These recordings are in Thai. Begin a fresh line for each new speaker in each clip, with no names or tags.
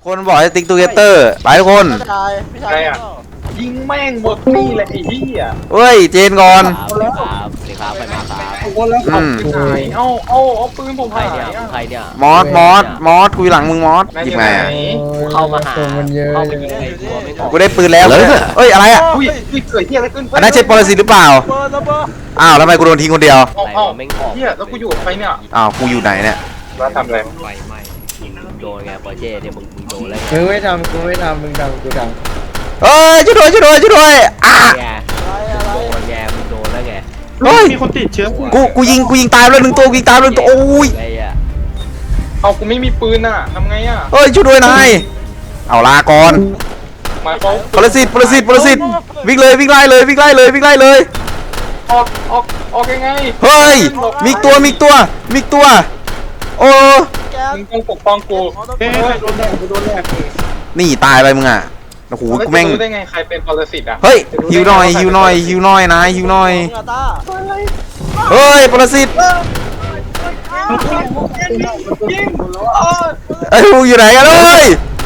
กคนบอกให้ติ๊กตูเกเตอร์ไปทุกคน
พี่ชาย
ยิงแม่งหมดนี่แหละไอ้เหี้ย
เฮ้ยเจนก่อน
ครับสิครับไปมาครับ
โอ้แล้วเอาไปไหนเอาปืนผม
ใคร
หาย
เนี่ย
อ่ะ
ใครเนี่ย
มอสกูอยู่หลังมึงมอสหยิบไงอะ
เข้ามาหา
มันเยอะ
เข้ามายิงไอ้ตัวไม่บอก
กูได้ปืนแล้วเอ้ยอะไรอ่ะ
อุ้ยเกิดเหี้ยอะไรขึ้น
อันนั้นใช่ปรสิตหรือเปล่า
เบอร์ระเบิด
อ้าวแล้วทำไมกูโดนทิ้งคนเดียว
เอาเหี้ยแล้วกูอยู่กับใครเนี่ย
อ้าวกูอยู่ไหนเนี่ย
มาทำอะไร
ไฟไหม้มึงโดนไงปอเจ้เนี่ยมึงโดนแล้ว
มึงไม่ทำกูไม่ทำมึงทำกูท
เอ้ยช่วยด้วยอ่ะ
ไง
อะไร
โดนไงมึงโดนแล้วไง
เฮ้ย
มีคนติดเชื้อ
กูยิงตายเลยหนึ่งตัวกูยิงตายเลยหนึ่งตัวโอ้ย
ไอ้อะ
เอากูไม่มีปืนอ่ะทำไงอ่ะ
เฮ้ยช่วยด้วยนายเอาลาก่อน
มาเขา
ปรสิตวิ่งไล่เลย
ออกยังไง
เฮ้ยมีอีกตัวโอ้
แก
มึงต้องปกป้องกูเฮ้ยโดนแดกกูโดนแดก
นี่ตายไปมึงอ่ะโอ้โหกูแม่ง
รู้ได้ไงใครเป็นปรสิตอ่ะ
เฮ้ยหิวหน่อยนายหิวหน่อย
งาตา
เฮ้ยปรสิตไอ้ยมึงอยู่ไหนกันเลย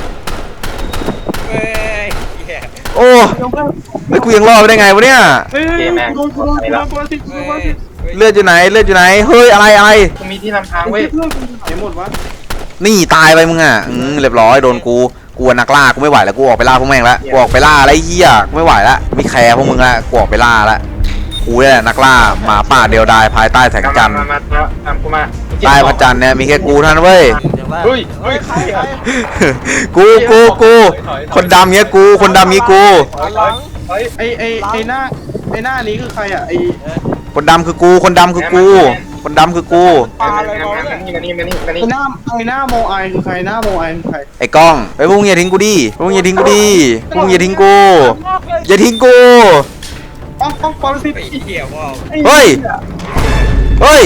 โอ้ไอ้ยกูยังรอดไปได้ไงวะเนี่ย
เกมแม่งไปแล้ว
เลือดอยู่ไหนเฮ้ยอะไร
กูมีที่นำทางเว้ย
นี่ตายไปมึงอ่ะเรียบร้อยโดนกูนักล่ากูไม่ไหวแล้วกูออกไปล่าพวกแม่งแล้วกูออกไปล่าอะไรเหี้ยกูไม่ไหวแล้วไม่แคร์พวกมึงละกูออกไปล่าละกูเนี่ยแหละนักล่าหมาป่าเดียวดายภายใต้แสงจันทร์
มาตามกูมา
ใต้พระจันทร์เนี่ยมีแค่กูเท่านั้นเว้ย
เฮ้ยใครอ่ะ
กูคนดำเงี้ยกูคนดำงี้กู
ไอ้หน้านี้คือใครอ่ะไอ้
คนดำคือกูคนดำคือกูคนดำคือกู
ปลาอะไรมาเนี่ย
นี่หน้าโมไอคือใครหน้าโมไอคือใคร
ไอ้กล้องไอ้พวกมึงอย่าทิ้งกูดิพวกมึงอย่าทิ้งกูดิพวกมึงอย่าทิ้งกูอย่าทิ้งกู
ป้องปรสิต
เฮ้ย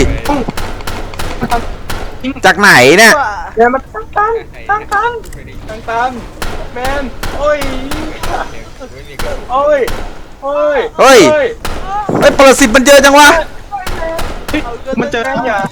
จากไหนเนี่ย
แมนมันตั้งแมนโอ้ย
เฮ้ยปรสิตมันเจอจังวะ
มันเจออย่า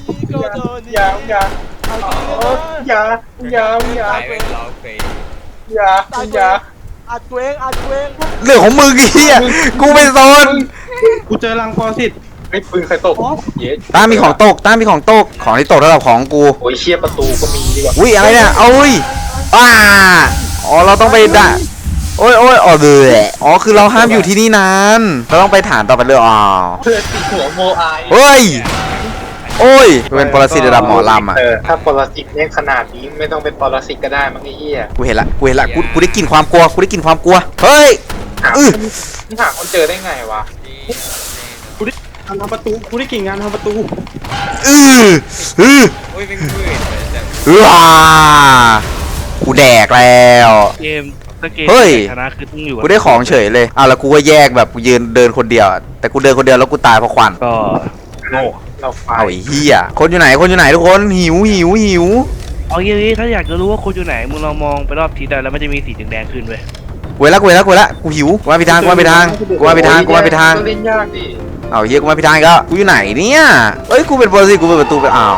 อัดเวง
เรื่องของมึงไอ้เหี้ยกูไม่สน
กูเจอรังปรสิตไอ้ปืนใครตกเย้
ตามีของตกของที่ตกระดับของกู
โอ้ยเชี่ยประตูก็มีดีกว่า
อุ้ยอะไรเนี่ยเอาอุ้ยอ๋อเราต้องไปด่าโอ้ยอ๋อเบื่ออ๋อคือเราห้ามอยู่ที่นี่นานเราต้องไปฐานต่อไปเลยอ๋อ
เพื่อติดหัวโมไอ
เฮ้ยโอ้ยเป็นปรสิตระดับหมอลำอ่ะ
ถ้าปรสิตเนี่ยขนาดนี้ไม่ต้องเป็นปรสิตก็ได้มั้งไอ้เหี้ย
กูเห็นละกูได้กลิ่นความกลัวเฮ้ย
หาคนเจอได้ไงวะกูได้ทำประตูกูได้กิ่งงานทำประตู
กูแดกแล้ว
เกมถ้าเกม
เฮ้ย
ชนะคือต้องอยู่
กูได้ของเฉยเลยแล้วกูก็แยกแบบกูยืนเดินคนเดียวแต่กูเดินคนเดียวแล้วกูตายเพราะควัน
ก็
เราไฟ
เอาไอ้เหี้ยคนอยู่ไหนทุกคนหิว
เอาอย่างนี้ถ้าอยากจะรู้ว่าคนอยู่ไหนมึงลองมองไปรอบทิศได้แล้วมันจะมีสีแดงๆขึ้นเว้ย
กูละกูหิวกูมาผิดทาง
เล่นยากดิ
เอาเหี้ยกูมาผิดทางก็กูอยู่ไหนเนี่ยเอ้ยกูเป็นปรสิตกูเปิดประตูไปอ้าว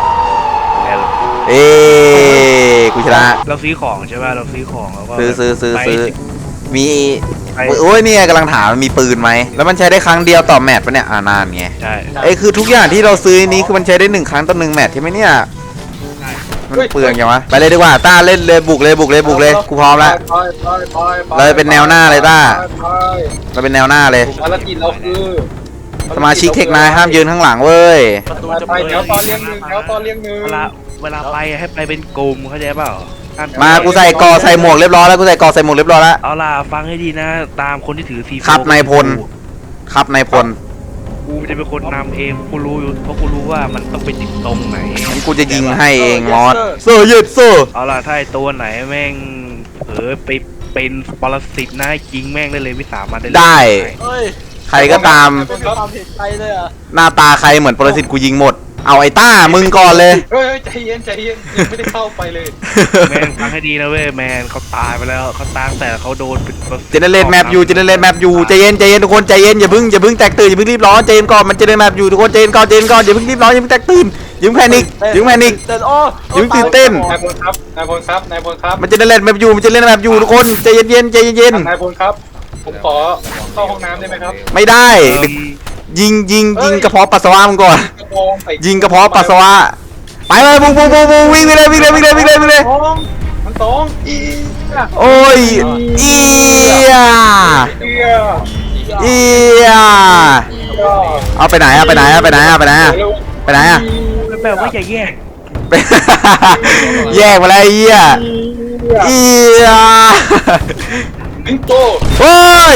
กูชนะ
เราซื้อของใช่ป่ะเราซื้อของแล้วก็
ซื้อ
ไป
มี
ไป
โอ้ยเนี่ยกำลังถามมันมีปืนไหมแล้วมันใช้ได้ครั้งเดียวต่อแมตช์ปะเนี่ยนานไง
ใช่
คือทุกอย่างที่เราซื้อนี้คือมันใช้ได้1 ครั้งต่อ1 แมตช์ใช่ไหมเนี่ยมันเปลืองยังวะไปเลยดีกว่าต้าเล่นเลยบุกเลยกูพร้อมแล้วเราเป็นแนวหน้าเลยต้าเราเป็นแนวหน้าเลย
ภารกิจเราคือ
สมาชิกเทคนายห้ามยืนข้างหลังเว้ย
ประตูจะ
ไป
เปิด
เดี๋ยวตอนเลี้ยงหนึ่ง
เวลาไปให้ไปเป็นกลุ่มเข้าใจเปล่า
มากูใส่กอใส่หมวกเรียบร้อยแล้ว
เอาล่ะฟังให้ดีนะตามคนที่ถือซีโฟ
ครับนายพล ครับนายพล
กูจะเป็นคนนำเองกูรู้อยู่เพราะกูรู้ว่ามันต้องไปติดตรงไหน
งั้นกูจะยิงให้เองมอสเซอร์ยืดเซอร์
เอาล่ะถ้าไอตัวไหนแม่งเผลอไปเป็นปรสิตนะยิงแม่งได้เลยวิสามันได้เลย
ได้
เฮ้ย
ใครก็ตาม
เป็นความผิดใครเลยอ่ะ
หน้าตาใครเหมือนปรสิตกูยิงหมดเอาไอ้ต้ามึงก่อนเลย
เฮ้ยใจเย็นใจเย็นยังไม่ได้เข้าไปเลย
แมนฟังให้ดีนะเว้ยแมนเขาตายไปแล้วเขาตายตั้งแต่เขาโดนเป็น
เจเนเรตแมปอยู่เจเนเรตแมปอยู่ใจเย็นใจเย็นทุกคนใจเย็นอย่าเพิ่งแตกตื่นอย่าเพิ่งรีบร้อนใจเย็นก่อนมันเจเนเรตแมปอยู่ทุกคนใจเย็นก่อนอย่าเพิ่งรีบร้อนอย่าเพิ่งแตกตื่นอย่าเพิ่งแพนิคอย่าเพิ่งแพนิค
เต้นโอ้
อย่าเพิ่งตื่นเต้น
นายพลครับนายพลครับนายพลครับ
มันเจเนเรตแมปอยู่ทุกคนใจเย็นใจเย็น
นายพลครับ ผมขอเข้าห้องน้ำได้ไหมครับ
ไม่ได้ยิงกระเพาะปัสสาวะมึงก่อน
กระโปรงใส่
ยิงกระเพาะปัสสาวะไปเลยบุ้งวิ่งไปเลย
มันตรงอี
โอ้ยเอีย
เดีย
เอียเอาไปไหนไปไหนอะ
แบบว่าอย่าแย่
แยกมาแล้วเอียเอีย
บิงโต
โอ้ย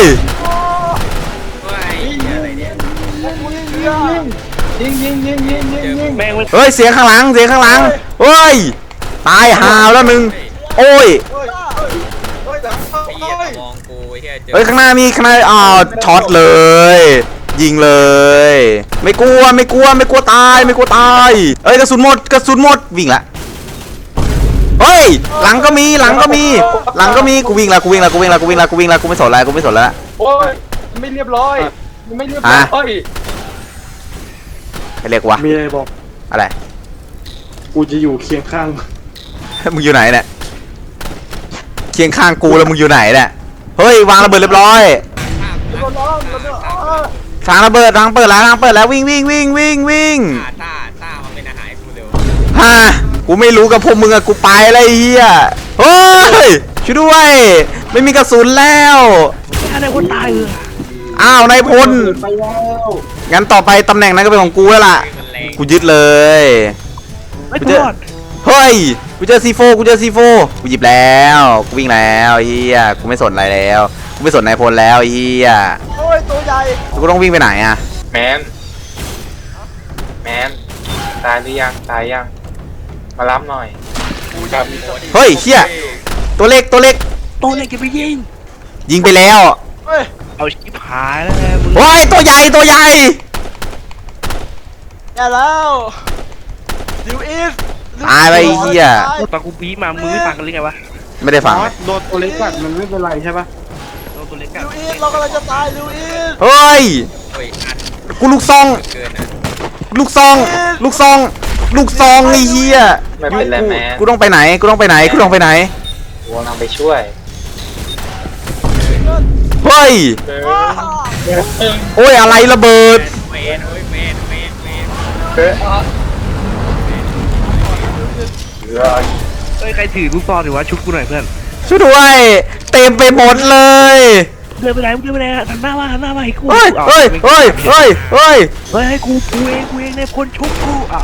แม่งไม่
เฮ้ยเสียงข้างหลังเฮ้ยตายหาวแล้วมึงโอ้ย
ไอ้เหี้ยมองกูไอ้เหี้ยเจอ
เฮ้ยข้างหน้าช็อตเลย ยิงเลย ไม่กลัวตายเอ้ยกระสุนหมดวิ่งละเฮ้ยหลังก็มีกูวิ่งละกูไม่สนแล้ว
โอ้ยไม่เรียบร้อยไม่เรียบร้อย
ใครเรียกวะ
มีอะไรบอก
อะไร
กูจะอยู่เคียงข้าง
มึงอยู่ไหนเนี่ยเคียงข้างกูแล้วมึงอยู่ไหนเนี่ยเฮ้ยวางระเบิดเรียบร้อยทางระเบิดทางเปิดแล้ววิ่ง
ต้ามาเป็นอาหารให้กูเร็ว
ฮะกูไม่รู้กับพวกมึงอะกูไปอะไรเฮียเฮ้ยช่วยด้วยไม่มีกระสุนแล้ว
อะไรคนตายเลย
อ้าวนายพล
ไปแล้ว
งั้นต่อไปตำแหน่งนั้นก็เป็นของกูแล้วล่ะ
มันแรง
กูยึดเลย
ไม่กอด
เฮ้ยกูเจอซีโฟกูหยิบแล้วกูวิ่งแล้วเฮียกูไม่สนอะไรแล้วกูไม่สนนายพลแล้วเฮีย
โอ้ยตัวใหญ่
กูต้องวิ่งไปไหนอะ
แมนตายหรือยังมารับหน่อยครับ
เฮ้ยเฮียตัวเล็ก
ตัวเล็กจะไปยิง
ยิงไปแล้ว
เฮ้ย
เอาชิบหายแล้วไงมึง
โอ้ยตัวใหญ่
แย่แล้วดิวอีส
ตายไปเฮีย
ตอนกูบีมามึงไม่ฟังกันหรือไงวะ
ไม่ได้ฟัง
โดนตัวเล็กกัดมันไม่เป็นไรใช่ปะ
ตัวเล็ก
ดิ
อะ
วอีสเรากำลังจะตายดิวอีส
เฮ้ย
เฮ้ยอัด
กูลูกซอง
เกินนะ
ไอ้เหี้ย
ไม่เป็นไรแมน
กูต้องไปไหน
กูกำลังไปช่วย
เฮ้ย โอ้ยอะไรระเบิด
เวนเฮ้ยเวน
เฮ้ยใครถือลูกซองหรือวะชุบกูหน่อยเพื่อน
ช่วยด้วย เต็มไปหมดเลย
เดินไปไหนหันหน้ามาให้กู
เฮ้ย
อา
เฮ้ย
ให้กูเองในคนชุบกูอ้าว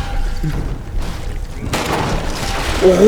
โอ้โห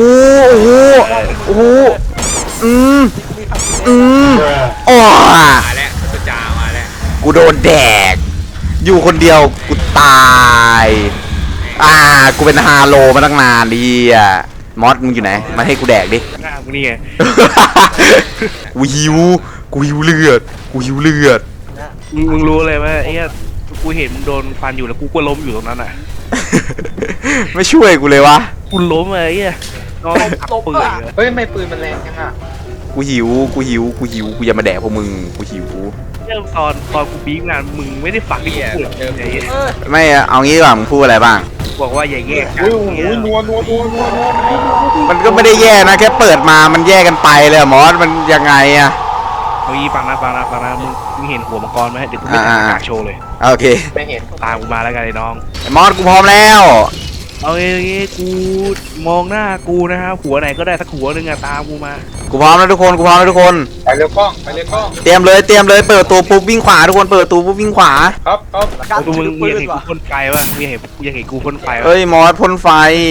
โอ้
มาแล้วตัวจ่ามาแล้ว
กูโดนแดก อยู่คนเดียวกูตายกูเป็นฮาโลมาตั้งนานดิมอสมึงอยู่ไหนมาให้กูแดกดิ
หน้ามึงนี่ไง
กูหิวเลือด
มึงรู้เลยว่าไอ้เหี้ยกูเห็นมึงโดนฟันอยู่แล้วกูก็ล้มอยู่ตรงนั้นอ่ะ
ไม่ช่วยกูเลยวะ
กูล้มเลยไอ้เหี้ยน้องขับปืนเลย
เฮ้ยไม่ปืนมันแรงจังอ่ะ
กูหิวกูอย่ามาแดกพวกมึงกูหิว
เรื่องตอนกูบีบงานมึงไม่ได้ฟังที่กูพูดไอ้เหี้ย
ไม่เอางี้ดีกว่ามึงพูดอะไรบ้าง
บอกว่าอย่าแยกกัน
โอ้โหนัว
มันก็ไม่ได้แย่นะแค่เปิดมามันแย่กันไปเลยอะมอสมันยังไงอะ
เฮ้ยฟังนะมึงเห็นหัวมังกรไหมเดี๋ยวกูไม่ทำกากโชว์เลย
โอเค
ไม่เห็น
ตามกูมาแล้วกันไอ้น้อง
ไอ้มอสกูพร้อมแล้ว
เอางี้กูมองหน้ากูนะฮะหัวไหนก็ได้สักหัวหนึ่งอะตามกูมา
กูพร้อมแล้วทุกคน
ไปเร็วกล้อง
เตรียมเลยเปิดตัวปุ๊บวิ่งขวาทุกคนเปิดตัวปุ๊บวิ่งขวา
ครับ
เอาตัวมึงยังเห็นกูพ่นไฟวะมึงยังเห็นกูพ่นไฟวะ
เอ้ยมอสพ่นไฟ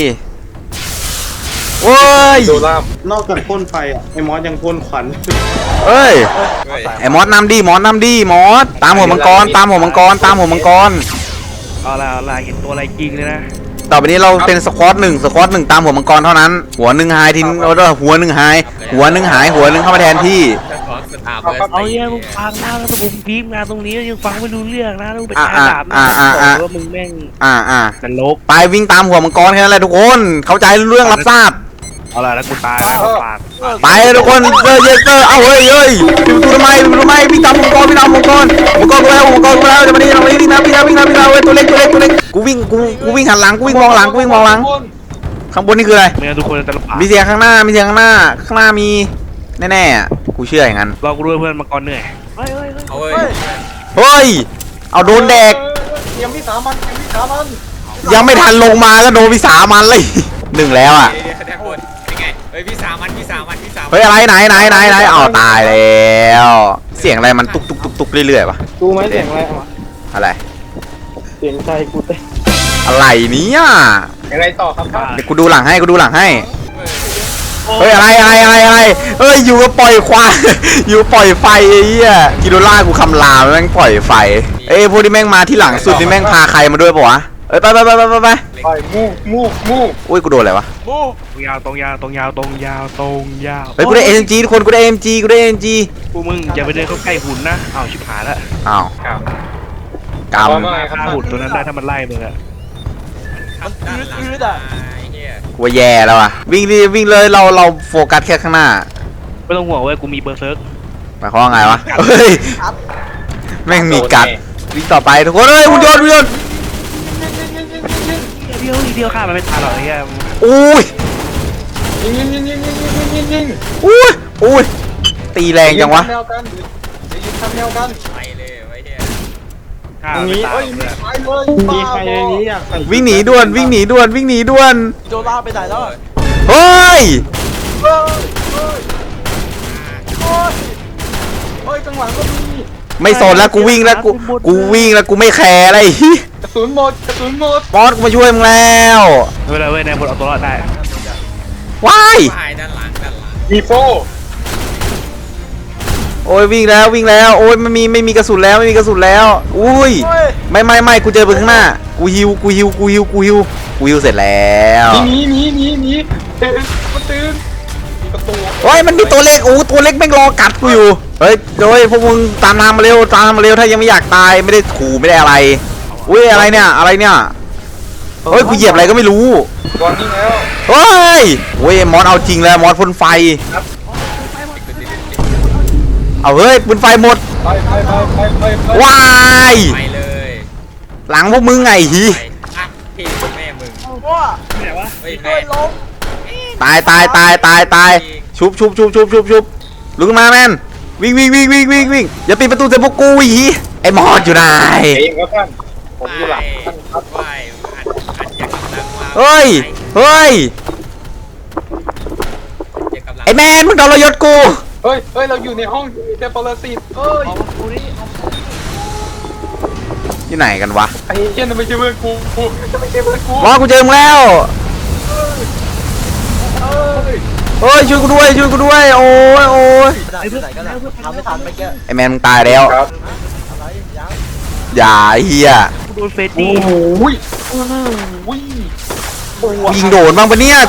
โอ้ย
ดูล่าม
นอกจากพ่นไฟอ่ะไอ้มอสยังพ่นขวัญ
เอ้ย
เฮ้ย
ไอ้มอสนำดิมอสตามหัวมังกร
เอาละเห็นตัวอะไรจริงเลยนะ
ต่อไปนี้เราเป็นสควอตหนึ่งตามหัวมังกรเท่านั้น หัวหนึ่งหายทิ้งหัวหนึ่งหายหัวหนึ่งเข้ามาแทนที่
ถ้าขอสเบอร์
เอา
สี่
เนี่ยมึงฟังนะแล้วมึงพีมงานตรงนี้ยังฟังไม่รู้เรื่องนะมึงไปใช้ดาบนะบอกว่ามึงแม่ง นรก
ไปวิ่งตามหัวมังกรแค่นั้นแหละทุกคนเข้าใจเรื่องรับทราบ
เอาล่ะแล้วกูตายแล้วปาก
ไปทุกคนเซอร์เยเซอร์เอาเฮ้ยปิดประตูทำไมวิ่งตามมังกรกูแล้วมังกรกูแล้วจะมานี่วิ่งนะเว้ยตัวเล็กกูวิ่งหันหลังกูวิ่งมองหลังข้างบนนี่คืออะไร
ไม่งั้นทุกคนจะลำบาก
มีเสียงข้างหน้าข้างหน้ามีแน่ๆอ่ะกูเชื่ออย่างนั้น
รอกูด้วยเพื่อนมังกรเหนื่อย
เอาเว้ย
เฮ้ยเอาโดนแดก
เตรียมวิสามัน
ยังไม่ทันลงมาก็โดนวิสามันเลยหนึ่งแล้วอ่ะ
เดี๋ยวแดงบนเป็นไงเฮ้ยพี่สามัน
เฮ้ยอะไรไหนเอาตายแล้วเสียงอะไรมันตุกเรื่อยๆวะ
กูไหมเสียงอะไรวะ
อะไร
เสียงใจกูเต้น
อะไรเนี่ย
ยังไงต่อครับท่าน
เดี๋ยวกูดูหลังให้เฮ้ยอะไรเฮ้ยอยู่ก็ปล่อยควาย อยู่ปล่อยไฟไอ้เหี้ยกิโดล่ากูคำรามแม่งปล่อยไฟเอ้ยพวกที่แม่งมาที่หลังสุดนี่แม่งพาใครมาด้วยปะวะเอ้ยไป
ไปมู
อุ้ยกูโดนอะไรวะ
มู
ตรงยาว
เฮ้ยกูได้ AMG ทุกคนกูได้ AMG
กูมึงอย่าไปเดินเข้าใกล้หุ่นนะอ้าวชิบหายแล้ว
อ้าว
ครับ
กำ
ฆ่าหุ่นตัวนั้นได้ถ้ามันไล่มึงอะ
มันอืดอ่ะเฮีย
กูว่าแย่แล้วอ่ะวิ่งเลยเราโฟกัสแค่ข้างหน้า
ไม่ต้องห่วงเว้ยกูมีเบอร์เซิร์ก
หมายความว่าไงวะเฮ้ยแม่งมีกัดวิ่งต่อไปทุกคนเฮ้ยหุ่นยนต์
เดียวฆ่ามันไม่ทันหรอกไอ้เหี้ย
อุ้ย
ยิง
อุ้ยตีแรงจังวะ
แนวกันยิงทำแนวกัน
ไปเลยไว้เฮีย
ฆ่ามันไม่ตาย
เฮ้ย
เลย
ไปเลย
มีใครในนี้อยากใส่
วิ่งหนีด่วน
โดนลากไปไหนแล้ว
เฮ้ย
เฮ้ยจังหวะก็มี
ไม่สนแล้วกูวิ่งแล้วกูไม่แคร์อะไร
กระสุนหมด
บอสกูมาช่วยมึงแล้ว
เวลาเว้ยนายบนเอาตัวรอดได้
ว้าย
ตายด้านหลัง
มีโฟ
โอ้ยวิ่งแล้วโอ้ยไม่มีกระสุนแล้วอุ้ยไม่กูเจอไปข้างหน้ากูฮิวเสร็จแล้ว
หนีมันตื่นประตู
โอ้ยมันมีตัวเล็กตัวเล็กแม่งรอกัดกูอยู่เฮ้ยโดยพวกมึงตามมาเร็วถ้ายังไม่อยากตายไม่ได้ขู่ไม่ได้อะไรอุ้ยอะไรเนี่ยเฮ้ยกูเหยียบอะไรก็ไม่รู้
วางนี่แล้ว
เฮ้ยโอ้ยมอสเอาจริงแล้วมอสพ่นไฟเอาเฮ้ยปืนไฟหมด
ไป
ว้าย
ไปเลย
หลังพวกมึงไงฮี
ไปอ่ะพี่แม่มึง
ว้า
เฮ้ย
ช่วยล้ม
ตายชุบลุกขึ้นมาแมนวิ่งอย่าปิดประตูใส่พวกกูหีไอ้มอสอยู่ไหน
เองครับท่านผมอยู่หลังท่านครับ
ไปอัดอย่ากำลังมา
เฮ้ย
อย่ากำลัง
ไอ้แมนมึงโดนเรายศกู
เฮ้ยเราอยู่ในห้องที่มีแต่ปรสิตเฮ้ย
อยู่ไหนกันวะ
ไอ้เหี้ยนั่นไม่ใช่เพื่อนกูไม่ใช่เพื่อนกู
มอสกูเจอมึงแล้วเฮ้ยช่วยกูด้วยโอ้ย
ไหนกันทำไม่ทันเมื่อกี้
ไอ้แมนมึงตายแล้ว
ครับ
อะไรยัง
อย่าเฮีย
กูโดนเฟด
โอ้
ดี้
โห
กูยิงโดนบ้างปะเนี่ย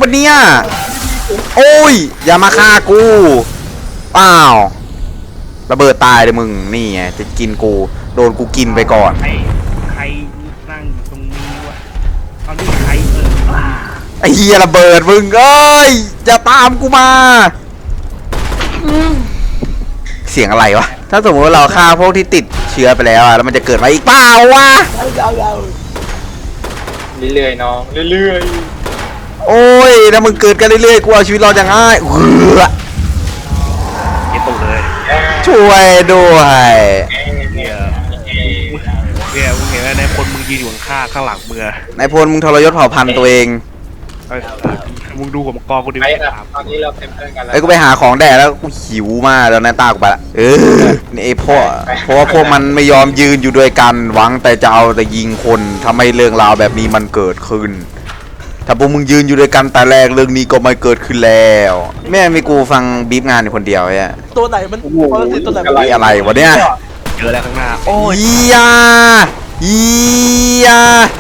โอ้ยอย่ามาฆ่ากูเปล่าระเบิดตายเลยมึงนี่ไงจะกินกูโดนกูกินไปก่อน
ใครนั่งอยู่ตรงนี้วะตอนนี้ใคร
ไอ้เฮียระเบิดมึงเอ้ยจะตามกูมาเสียงอะไรวะถ้าสมมติว่าเราฆ่าพวกที่ติดเชื้อไปแล้วอะแล้วมันจะเกิดมาอีกเปล่าวะ
เรื่อยๆน้องเรื่อย
โอ้ยถ้ามึงเกิดกันเรื่อยๆกูเอาชีวิตเราจะง่ายเหือ
เย็บตกเลย
ช่วยด้วย
เนี่ยมึงเห็นไหมนายพลมึงยืนอยู่ข้างหลังมือน
ายพลมึงทรยศเผ่าพันธุ์ตัวเอง
มึงดูผมกองกูดิ
ๆไปครับตอนนี้เราเป็นเพื่อนกันแล้ว
ไอ้กูไปหาของแดกแล้วกูหิวมากแล้วนายตากูไปละนี่ไอ้เพราะว่าพวกมันไม่ยอมยืนอยู่ด้วยกันหวังแต่จะเอาแต่ยิงคนทำให้เรื่องราวแบบนี้มันเกิดขึ้น ถ้าพวกมึงยืนอยู่ด้วยกันแต่แรกเรื่องนี้ก็ไม่เกิดขึ้นแล้วแม่มีกูฟังบีบงานอยู่คนเดียวเนี่ย
ตัวไหนมันปรสิตตัวไหนมัน
นี่อะไรวะเนี่ย
เจอแล้วข้างหน้าโอ้ย
อียา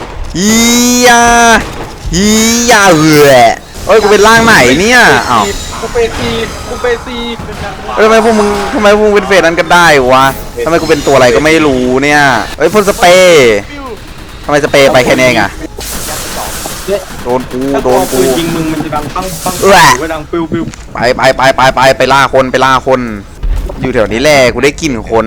เอ้ยกูเป็นร่างไหนเนี่ยอ้าว
กูเปซีกูเปซี
เอ้ยทำไมพวกมึงเป็นเฟสนั้นกันได้วะทำไมกูเป็นตัวอะไรก็ไม่รู้เนี่ยเอ้ยพ่นสเปรย์ทำไมสเปรย์ไปแค่นี้เองอะโดนกู
ถ้าตัวปืนยิงมึงมันจะดังปังปังหรือว่าดังปิวปิว
ไปล่าคน อยู่แถวนี้แหละกูได้กลิ่นคน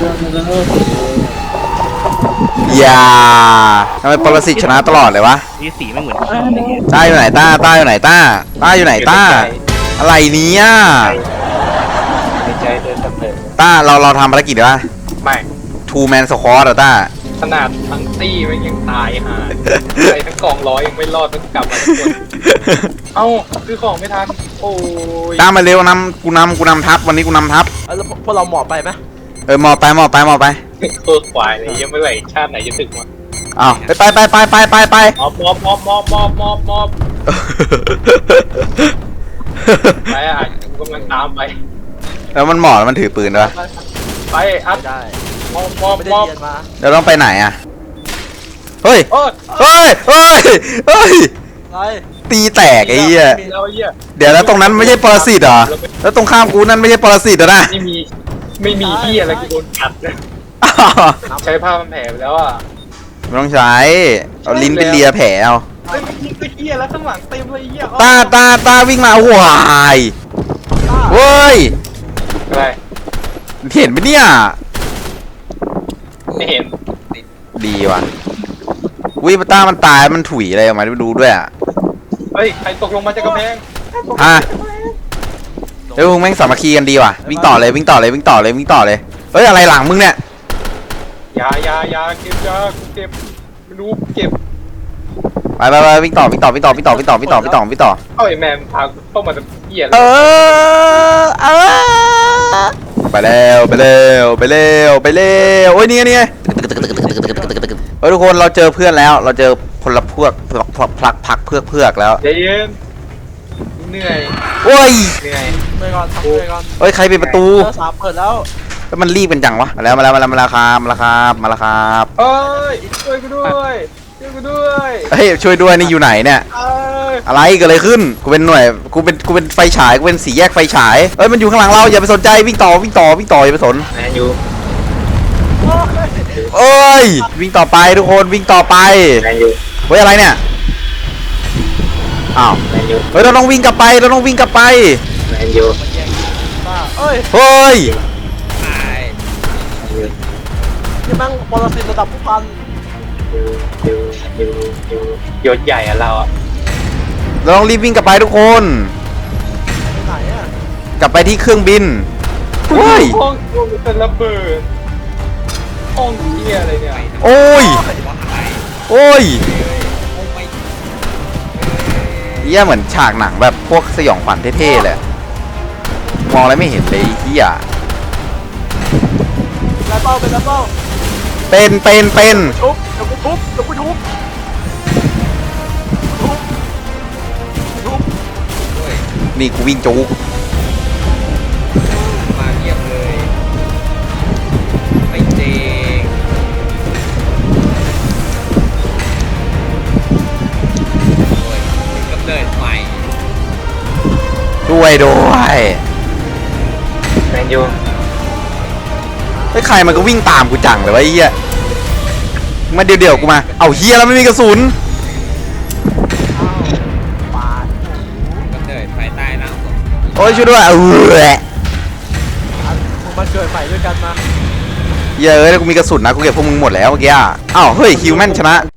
อย่าทำไมปรสิตชนะตลอดเลยวะ
นี่สีไม่เหมือนกันเลย
ต้าอยู่ไหนต้าอยู่ไหนต้าอยู่ไหนต้าอะไรเนี้ย
ในใจเดินตะเพิด
ต้าเราทำภารกิจเหรอ
ไม่
ทูแมนสควอตเหรอต้า
ขนาดทั้งตี้มันยังตายห่าใครทั้งกองร้อยยังไม่รอดต้องกลับมาทุกคนเอ้าซื้อของไม่ทันโอ้ย
ต้ามาเร็กูนำทัพวันนี้กูนำทัพ
แล้วพวกเราหมอบไปไหม
หมอบไป
โคตรควายเลยยังไม่ไหวชาติไหนจะถึงวะ
อ้าวไป
มอบไปอ่ะกูกำลังตามไป
แล้วมันหมอบแล้วมันถือปืนด้วย
ไปอัด
ได้
มอบ
ไม่ได้เรียนมา
เราต้องไปไหนอะเฮ้ย
โอ้ย
อะไร
ตีแตกไอ้เหี้ย
มีแล้วไอ้เหี้ย
เดี๋ยวแล้วตรงนั้นไม่ใช่ปรสิตเหรอแล้วตรงข้ามกูนั่นไม่ใช่ปรสิตเหรอนะ
ไม่มีเหี้ยอะไรกูโดนกัดเลยใช้ผ้ามันแผลไปแล้วอ่ะ
ไม่ต้องใช้เอาลิ้นไปเลียแผลเอา
เฮ้ยยิงตะเหี้ยแล้วข้างหลังเต็มเลยไอ้เหี้ย
ตาวิ่งมาหวายเว้ย
อะไร
เห็นไหมเนี่ย
ไม่เห็น
ดีว่ะวิปต้ามันตายมันถุยอะไรออกมาไม่ดูด้วยอ่ะ
เฮ้ยใครตกลงมาจากกำแพง
ฮะเฮ้ยพวกแม่งสามัคคีกันดีว่ะวิ่งต่อเลยเฮ้ยอะไรหลังมึงเนี่ย
ยาเก็บยากูเก็บไม่รู้เก็บ
ไปวิ่งต่อ
เอ้าไอ้แมนพากูเข้ามาจากเหี้ยเล
เอย ไปแล้วโอ้ยนี่ไงเฮ้ยทุกคนเราเจอเพื่อนแล้วเราเจอพลพวกพักเพือกแล้ว
ใจเย็นเหนื่อย
โอ้ย
เหนื่อย
ไปก่อนทำไปก่อน
เฮ้ยใครปิดประตู
สามเปิดแล้ว
แล้วมันรีบเป็นจังวะมาแล้วครับ
เอ้ยช่วยกูด้วย
เฮ้ยช่วยด้วยนี่อยู่ไหนเนี่ย
เอ้ย
อะไรเกิดอะไรขึ้นกูเป็นหน่วยกูเป็นไฟฉายกูเป็นสีแยกไฟฉายเอ้ยมันอยู่ข้างหลังเราอย่าไปสนใจวิ่งต่ออย่าไปสน
แมนยู
เอ้ยวิ่งต่อไปทุกคนวิ่งต่อไป
แมนยู
เฮ้ยอะไรเนี่ยอ้าว
แมนยู
เฮ้ยเราต้องวิ่งกลับไป
แมนยู
ป้าเอ้ย
เฮ้ย
ตาย
นี่แม่งปรสิตระดับผู้พัน
ยศใหญ่อะเราอะ
เราต้องรีบวิ่งกลับไปทุกคน
ไปไหนอ่ะ
กลับไปที่เครื่องบินเฮ้ย
ห้องเป็นระเบิดห้องเหี้ยอะไรเนี่ย
โอ้ย
ว่าอะไร
โอ้ย
โอ้ไม่
เฮียเหมือนฉากหนังแบบพวกสยองขวัญเท่ๆเลยมองอะไรไม่เห็นเลยเฮีย
แล้วเป้าเป็นแล้วเป้า
เป็น
ทุบเดี๋ยวกูทุบ
นี่กูวิ่งจูก
มาเงียบเลยไม่จริงโอ้ยกำเนิดใหม่
ด้วย
แมนยู
ไอ้ยใครมันก็วิ่งตามกูจังเลยวะไอ้เฮียมาเดี๋ยวกูมาเอาเฮียแล้วไม่มีกระสุน
กำเนิดภายใต้ร่างทรง
โอ้ยช่วยด้วย
มึงมาเกิดใหม่ด้วยกันมา
เยอะเลยกูมีกระสุนนะกูเก็บพวกมึงหมดแล้วเมื่อกี้อ้าวเฮ้ยฮิวแมนชนะ